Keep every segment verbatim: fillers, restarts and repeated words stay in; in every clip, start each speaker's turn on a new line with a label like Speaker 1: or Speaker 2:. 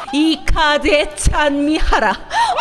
Speaker 1: 이 카드에 찬미하라. 아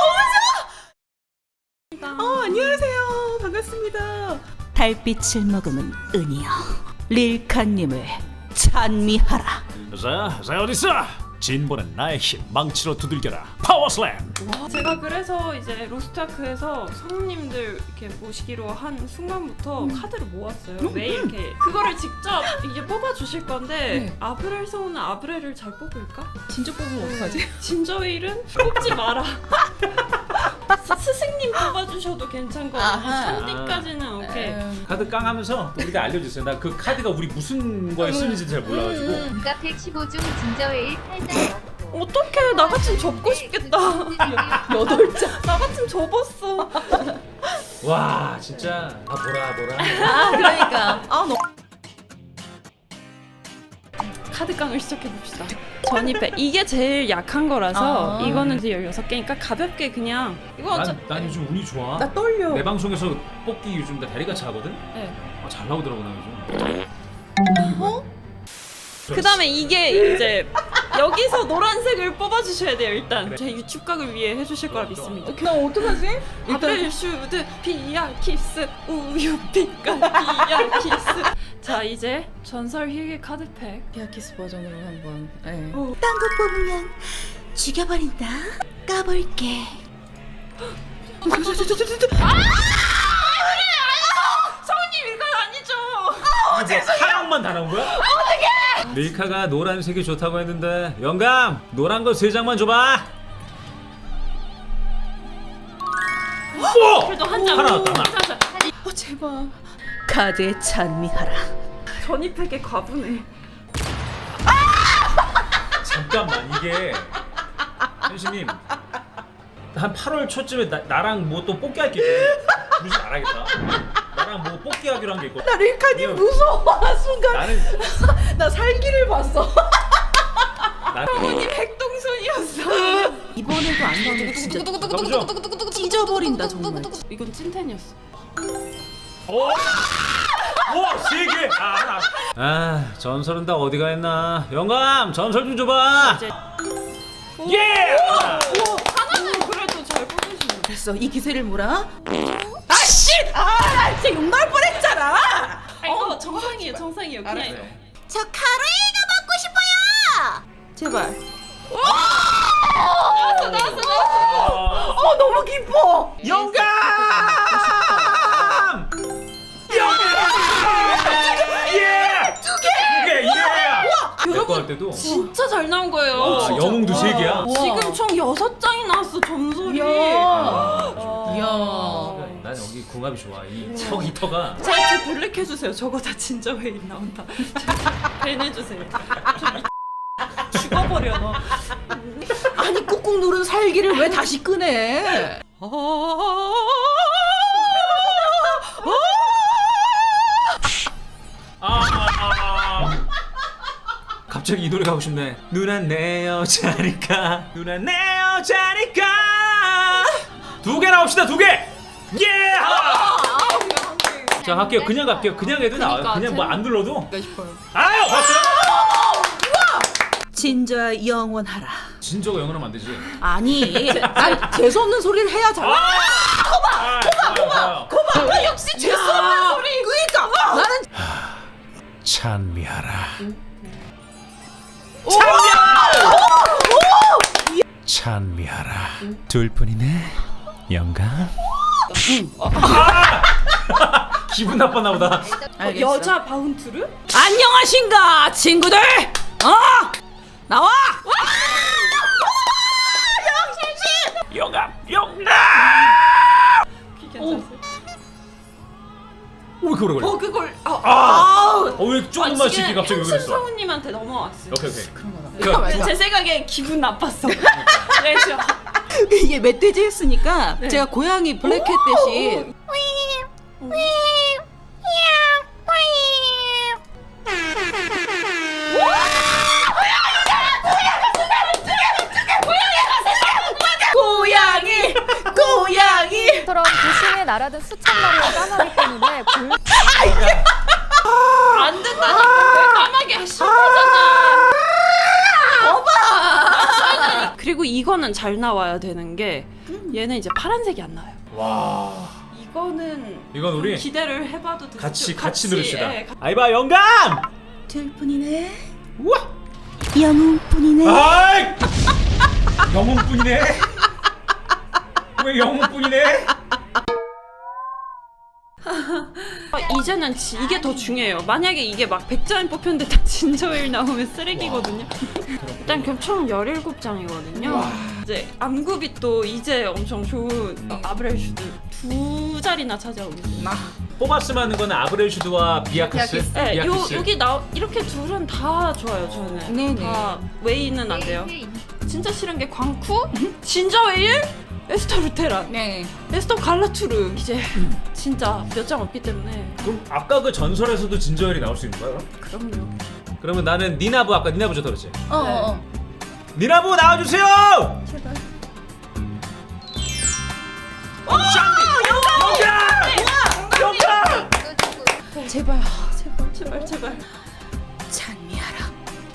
Speaker 1: 너무 좋아. 어 안녕하세요. 반갑습니다. 달빛을 머금은 은이여, 릴카님을 찬미하라.
Speaker 2: 자, 자 어딨어? 진보는 나의 힘, 망치로 두들겨라. 파워슬램.
Speaker 3: 제가 그래서 이제 로스트아크에서 성우님들 이렇게 모시기로 한 순간부터
Speaker 1: 음.
Speaker 3: 카드를 모았어요. 매일 이렇게 그거를 직접 이제 뽑아 주실 건데
Speaker 1: 네.
Speaker 3: 아브렐 성우는 아브렐을 잘 뽑을까?
Speaker 1: 진짜 뽑으면 어떡하지?
Speaker 3: 진저일은 뽑지 마라. 스- 스승님 뽑아주셔도 괜찮고
Speaker 1: 아하.
Speaker 3: 산디까지는 오케이.
Speaker 2: 카드 깡하면서 또 우리가 알려주세요. 나 그 카드가 우리 무슨 거에 쓰는지 잘 몰라가지고.
Speaker 4: 가 백십오 중 진저웨일 팔 장 넣고
Speaker 3: 어떡해, 나 같으면 접고 싶겠다.
Speaker 1: 여덟 장.
Speaker 3: 나 같으면 접었어.
Speaker 2: 와 진짜 아 보라 보라.
Speaker 1: 아 그러니까. 아 너무.
Speaker 3: 카드깡을 시작해봅시다. 전입회 이게 제일 약한 거라서
Speaker 1: 아.
Speaker 3: 이거는 이제 열여섯 개니까 가볍게 그냥 이거 어차...
Speaker 2: 난, 난 요즘 운이 좋아.
Speaker 1: 나 떨려.
Speaker 2: 내 방송에서 뽑기 요즘 나 다리가 차거든.
Speaker 3: 네.
Speaker 2: 아, 잘 나오더라고 나 요즘.
Speaker 1: 어?
Speaker 3: 그 다음에 이게 이제 여기서 노란색을 뽑아주셔야 돼요. 일단 제 유튜브 각을 위해 해주실 거라 믿습니다.
Speaker 1: 나 어떡하지?
Speaker 3: 아벨 슈드 피야 키스 우유 빛깔 피야 키스. 자 이제 전설 희귀 카드팩.
Speaker 1: 피아키스 버전으로 한번. 네.
Speaker 3: 어.
Speaker 1: 딴 거 뽑으면 죽여버린다. 까볼게.
Speaker 3: 성우님 이건 아니죠.
Speaker 2: 아, 뭐 하얀만 다 나온 거야? 어떡해! 릴카가 노란색이 좋다고 했는데 영감 노란 거 세 장만 줘봐. 오!
Speaker 3: 그래도 한 장.
Speaker 2: 하나 나왔다, 하나.
Speaker 3: 한 장.
Speaker 1: 어 제발. 카드에 찬미하라.
Speaker 3: 전입팩에 과분해.
Speaker 2: 잠깐만 이게 현수님 한 팔월 초쯤에 나, 나랑 뭐 또 뽑기 할게 있거든. 무슨 알아야겠다. 나랑 뭐 뽑기 하기로 한 게 있거든.
Speaker 1: 나 릴카님
Speaker 2: 이거-
Speaker 1: 무서워. 순간
Speaker 2: 나는
Speaker 1: 나 살기를 봤어.
Speaker 2: 나는
Speaker 3: 백동손이었어.
Speaker 1: 이번에도 안 나오면 진짜
Speaker 2: 가보죠.
Speaker 1: 찢어버린다 정말.
Speaker 3: 이건 찐텐이었어.
Speaker 2: 오! 오! 세 개! 아, 하나. 아, 전설은 다 어디가 했나? 영감, 전설 좀 줘봐.
Speaker 3: 이제
Speaker 2: 예!
Speaker 3: 하나는 그래도 잘 뽑으시네.
Speaker 1: 됐어. 이 기세를 몰아. 아씨! 아, 나 진짜 욕 나올 뻔했잖아.
Speaker 3: 아 이거 정상이에요, 정상이에요. 그냥
Speaker 2: 알았어요.
Speaker 1: 저 카레이가 먹고 싶어요. 제발.
Speaker 3: 나왔어, 나왔어, 나왔어.
Speaker 1: 어 너무 기뻐.
Speaker 2: 영감! 예! 두 개! 두 개! 예! 내거 할 때도
Speaker 3: 진짜 잘 나온 거예요.
Speaker 2: 와,
Speaker 3: 진짜.
Speaker 2: 영웅도 세 개야.
Speaker 1: 와.
Speaker 3: 지금 총 여섯 장이 나왔어 전설이.
Speaker 1: 이야.
Speaker 3: 어.
Speaker 1: 이야.
Speaker 2: 난 여기 궁합이 좋아. 이 턱, 이 턱아.
Speaker 3: 제, 제 블랙 해주세요. 저거 다 진짜 회인 나온다. 밴 해주세요. 좀 이- 죽어버려 너.
Speaker 1: 아니 꾹꾹 누른 살기를 왜 다시 끄네?
Speaker 2: 아, 아, 아. 갑자기 이 노래 가고 싶네. 누나 내 여자니까, 누나 내 여자니까. 두 개 나옵시다, 두 개. 예! 자 갈게요. 그냥 갈게요. 그냥 해도 나와요.
Speaker 3: 그러니까,
Speaker 2: 그냥 뭐 안 눌러도.
Speaker 1: 싶어요.
Speaker 2: 아유 봤어요?
Speaker 1: 진저야 영원하라.
Speaker 2: 진저가 영어는 안 되지.
Speaker 1: 아니, 난 재수 없는 소리를 해야 잘.
Speaker 2: 아, 거봐, 거봐, 거봐.
Speaker 1: 아, 역시 재수 없는 소리. 그러니까 나는
Speaker 2: 찬미하라. 찬미하라. 둘 뿐이네. 영감. 기분 나빴나 보다.
Speaker 1: 알겠어.
Speaker 3: 여자 바운트르?
Speaker 1: 안녕하신가 친구들. 어 나와.
Speaker 2: 영감, 영감.
Speaker 3: 괜찮았어요.
Speaker 2: 오 그래 그래.
Speaker 3: 어 그걸 어,
Speaker 2: 아, 어왜 조금만 씩게 갑자기 왜
Speaker 3: 현실
Speaker 2: 그랬어?
Speaker 3: 성우님한테 넘어왔어요.
Speaker 2: 오케이 오케이.
Speaker 1: 잠깐만,
Speaker 3: 제,
Speaker 1: 잠깐만.
Speaker 3: 제 생각에 기분 나빴어. 그래서
Speaker 1: 이게 멧돼지 했으니까
Speaker 3: 네.
Speaker 1: 제가 고양이 블랙캣 대신 고양이 고양이
Speaker 4: 처럼 도심에 날아든 수천 마리의 까마귀 때문에 골
Speaker 3: 안 된다니까. 왜 까마귀 싫어하잖아.
Speaker 1: 거봐.
Speaker 3: 그리고 이거는 잘 나와야 되는 게 얘는 이제 파란색이 안 나와요.
Speaker 2: 와.
Speaker 3: 이거는
Speaker 2: 이건 우리
Speaker 3: 기대를 해봐도 되죠.
Speaker 2: 같이 같이 누릅시다.
Speaker 3: 예, 가-
Speaker 2: 아이바 영감.
Speaker 1: 둘뿐이네.
Speaker 2: 우와.
Speaker 1: 영웅뿐이네.
Speaker 2: 아이. 영웅뿐이네. 왜 영웅뿐이네?
Speaker 3: 아, 이제는 지, 이게 더 중요해요. 만약에 이게 막 백 장 뽑혔는데 다 진저일 나오면 쓰레기거든요. 일단 총 열일곱 장이거든요. 이제 암굽이 또 이제 엄청 좋은 어, 아브렐슈드 두 자리나 차지하고 있어요.
Speaker 2: 뽑았으면 하는 거는 아브렐슈드와 비아키스.
Speaker 3: 네, 요
Speaker 2: 비아키스.
Speaker 3: 여기 나 이렇게 둘은 다 좋아요. 저는
Speaker 1: 네네.
Speaker 3: 다 웨이는 안 돼요. 진짜 싫은 게 광쿠, 진저웨일, 에스터 루테란,
Speaker 1: 네.
Speaker 3: 에스터 갈라투르 이제 진짜 몇 장 없기 때문에
Speaker 2: 그럼 아까 그 전설에서도 진저엘이 나올 수 있는 거야? 그럼?
Speaker 3: 그럼요.
Speaker 2: 그러면 나는 니나부 아까 니나부 좋다 그랬지?
Speaker 1: 어, 어, 어.
Speaker 2: 니나부 나와주세요!
Speaker 3: 제발.
Speaker 2: 오! 영감! 영감!
Speaker 1: 제발.
Speaker 3: 제발 제발 제발.
Speaker 1: 찬미하라.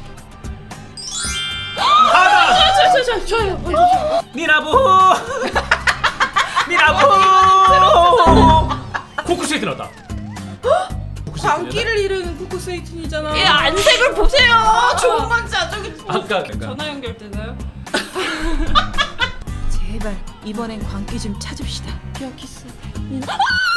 Speaker 2: 하나!
Speaker 3: 저, 저, 저, 저요. 먼저 저.
Speaker 2: 니나부! 니나부! 코쿠스에이트 나왔다.
Speaker 1: 광기를 잃은 코코스에이틴이잖아.
Speaker 3: 예, 안색을 보세요.
Speaker 1: 아, 좋은 건자 저기.
Speaker 2: 아까 그러니까.
Speaker 3: 전화 연결되나요?
Speaker 1: 제발 이번엔 광기 좀 찾읍시다.
Speaker 3: 비아키스.
Speaker 2: 니나부!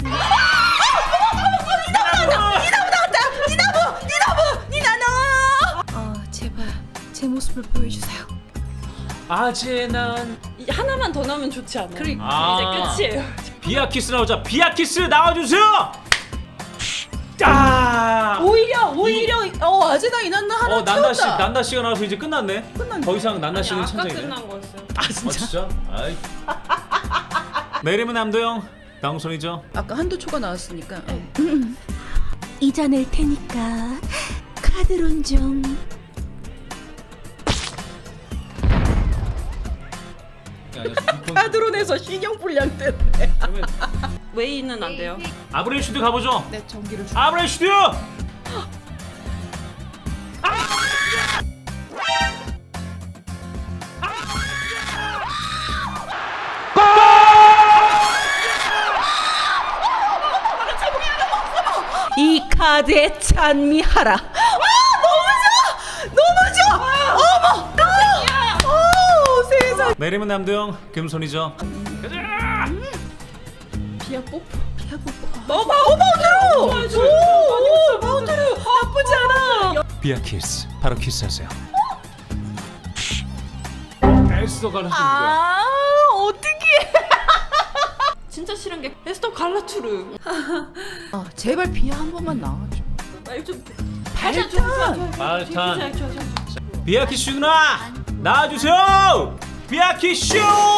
Speaker 1: 니나노. 어 제발 제 모습을 보여주세요.
Speaker 2: 아재 난
Speaker 3: 이 하나만 더 나오면 좋지 않아요?
Speaker 1: 그러니까.
Speaker 2: 아.
Speaker 3: 이제 끝이에요.
Speaker 2: 비아키스 나오자. 비아키스 나와주세요! 아!
Speaker 1: 오히려 오히려 어 아제나 이난나 하나
Speaker 2: 어 난나 씨
Speaker 1: 채웠다.
Speaker 2: 난나 씨가 나와서 이제 끝났네.
Speaker 1: 끝났네.
Speaker 2: 더 이상 난나
Speaker 3: 아니,
Speaker 2: 씨는
Speaker 3: 아까
Speaker 2: 천장이네.
Speaker 3: 끝난 거였어요.
Speaker 1: 아
Speaker 2: 어
Speaker 1: 진짜.
Speaker 2: 진짜? 아이. 내 이름은 남도영. 방송이죠.
Speaker 1: 아까 한도 초가 나왔으니까. 어.
Speaker 5: 잊어낼 테니까 카드론 좀.
Speaker 1: 카드론에서 신용 불량 때문에.
Speaker 2: 그러면
Speaker 3: 웨이는 안 돼요.
Speaker 2: 아브렐슈드 가보죠.
Speaker 1: 내 전기를 주.
Speaker 2: 아브렐슈드!
Speaker 1: 이 카드에 찬미하라. 아 너무 좋아, 너무 좋아. 어머, 아, 어 세상.
Speaker 2: 내 이름은 남도영. 금손이죠. 가자!
Speaker 3: 비아 뽀뽀. 비아 뽀뽀.
Speaker 1: 어 마우 마우드로. 오, 마우드로 나쁘지 않아.
Speaker 2: 비아키스. 바로 키스하세요. 에스더 갈라주는 거야.
Speaker 1: 아 어떻게?
Speaker 3: 진짜 싫은 게 에스터 갈라투르.
Speaker 1: 어 제발 비야 한 번만 나와줘.
Speaker 3: 말 좀.
Speaker 1: 발탄.
Speaker 2: 발탄.
Speaker 3: 좋아, 좋아, 좋아.
Speaker 2: 비아키스 누나 나와주세요. 비아키스.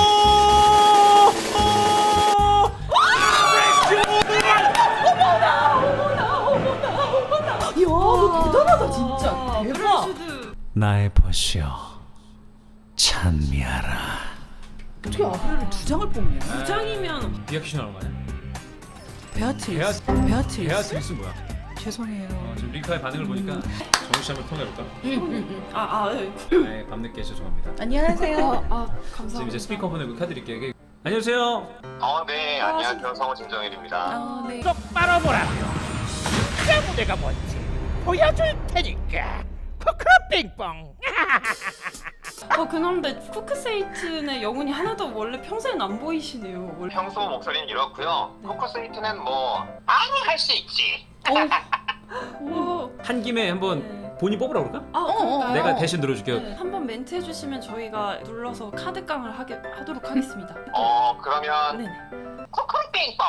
Speaker 1: 이야 너 대단하다 진짜. 대박.
Speaker 3: 아브렐슈드.
Speaker 2: 나의 벗이여 찬미하라.
Speaker 1: 어떻게 아브렐을 두 장을 뽑냐?
Speaker 3: 두 장이면
Speaker 2: 비아키스 나오는 거 아니야?
Speaker 1: 베아트리스.
Speaker 2: 베아-
Speaker 1: 베아트리스.
Speaker 2: 베아트리스 뭐야?
Speaker 1: 죄송해요.
Speaker 2: 어, 지금 리카의 반응을 보니까 정우 씨 한번 통해볼까?
Speaker 3: 아, 아, 예.
Speaker 2: 네, 밤늦게 죄송합니다.
Speaker 1: 안녕하세요.
Speaker 3: 아,
Speaker 2: 지금
Speaker 3: 감사합니다.
Speaker 2: 이제 스피커폰을 그 카드릴게요. 안녕하세요.
Speaker 6: 어, 네, 안녕하세요. 성우 진정일입니다.
Speaker 1: 아 네.
Speaker 7: 똑바로 보라고요. 내 무대가 뭔지 보여줄 테니까. 코코 빙뽕.
Speaker 3: 어, 그런데 쿠크세이튼의 영혼이 하나도 원래 평소엔 안 보이시네요. 원래.
Speaker 6: 평소 목소리는 이렇고요. 코코스이트는 뭐 아무 할 수 있지.
Speaker 3: 오.
Speaker 2: 한 김에 한번
Speaker 3: 네.
Speaker 2: 본인 뽑으라 그럴까?
Speaker 3: 아, 그럴까요?
Speaker 2: 내가 대신 들어줄게요.
Speaker 3: 네. 한번 멘트 해주시면 저희가 눌러서 카드깡을 하게 하도록 하겠습니다.
Speaker 6: 어, 그러면
Speaker 3: 네네.
Speaker 6: 코코 빙뽕.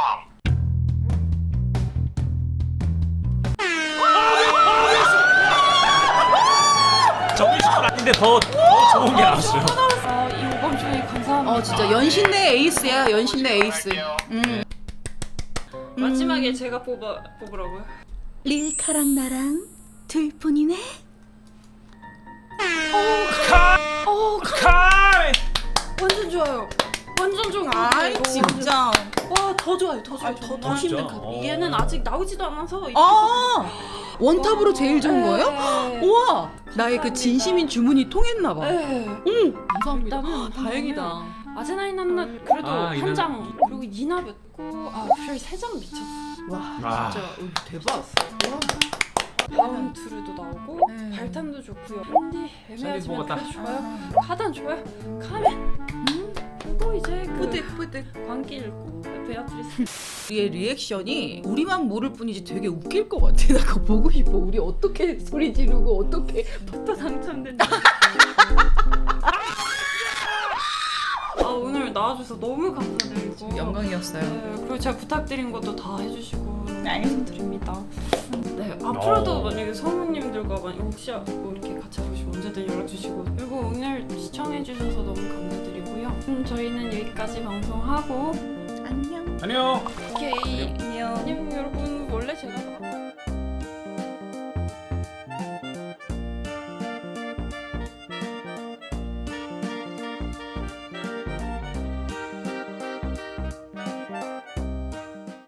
Speaker 2: 정우 씨건 아닌데 더, 더 좋은 게 나왔어요.
Speaker 3: 아, 이 오밤 중에 감사합니다.
Speaker 1: 어 진짜 연신 내 에이스야. 연신 내 에이스.
Speaker 6: 할게요.
Speaker 1: 음.
Speaker 3: 마지막에 제가 뽑아 뽑으라고요.
Speaker 5: 릴카랑 나랑 둘뿐이네.
Speaker 3: 어,
Speaker 2: 칼!
Speaker 3: 완전 좋아요. 완전 좋은 거
Speaker 1: 아이
Speaker 3: 같아요.
Speaker 1: 진짜.
Speaker 3: 어, 와, 더 좋아요, 더 좋아요. 더, 더
Speaker 2: 진짜?
Speaker 3: 힘든 카드.
Speaker 2: 어.
Speaker 3: 얘는 아직 나오지도 않아서.
Speaker 1: 아 원탑으로 제일 좋은 거예요?
Speaker 3: 네.
Speaker 1: 우와 나의 그 진심인 주문이 통했나 봐.
Speaker 3: 네.
Speaker 1: 응.
Speaker 3: 감사합니다.
Speaker 1: 아, 다행이다.
Speaker 3: 아제나인 한낱 그래도
Speaker 2: 아,
Speaker 3: 한
Speaker 2: 이는-
Speaker 3: 장, 그리고 이나 뵙고 아, 별 세 장 미쳤어.
Speaker 1: 와
Speaker 2: 아.
Speaker 1: 진짜 어, 대박.
Speaker 3: 바운트르도 나오고
Speaker 1: 네.
Speaker 3: 발탄도 좋고요. 샌디 애매하지만
Speaker 2: 샌디 뽑았다.
Speaker 3: 그래도 좋아요. 카단 좋아요. 카멘. 음. 또 이제 그
Speaker 1: 뿌듯 뿌듯.
Speaker 3: 광기 읽고 베아트리스.
Speaker 1: 우리의 리액션이 우리만 모를 뿐이지 되게 웃길 것 같아. 나 그거 보고 싶어. 우리 어떻게 소리 지르고 어떻게.
Speaker 3: 또 당첨된다. 아 오늘 나와줘서 너무 감사드리고
Speaker 1: 영광이었어요.
Speaker 3: 네, 그리고 제가 부탁드린 것도 다 해주시고 너무
Speaker 1: 네.
Speaker 3: 감사드립니다. 네 앞으로도
Speaker 2: 어.
Speaker 3: 만약에 성우님들과 만약 혹시 뭐 이렇게 같이 하시면 언제든 연락 주시고 그리고 오늘 시청해주셔서 너무 감사드리고요. 음, 저희는 여기까지 방송하고
Speaker 1: 안녕.
Speaker 2: 안녕.
Speaker 3: 오케이
Speaker 1: 안녕.
Speaker 3: 안녕 여러분 원래 제가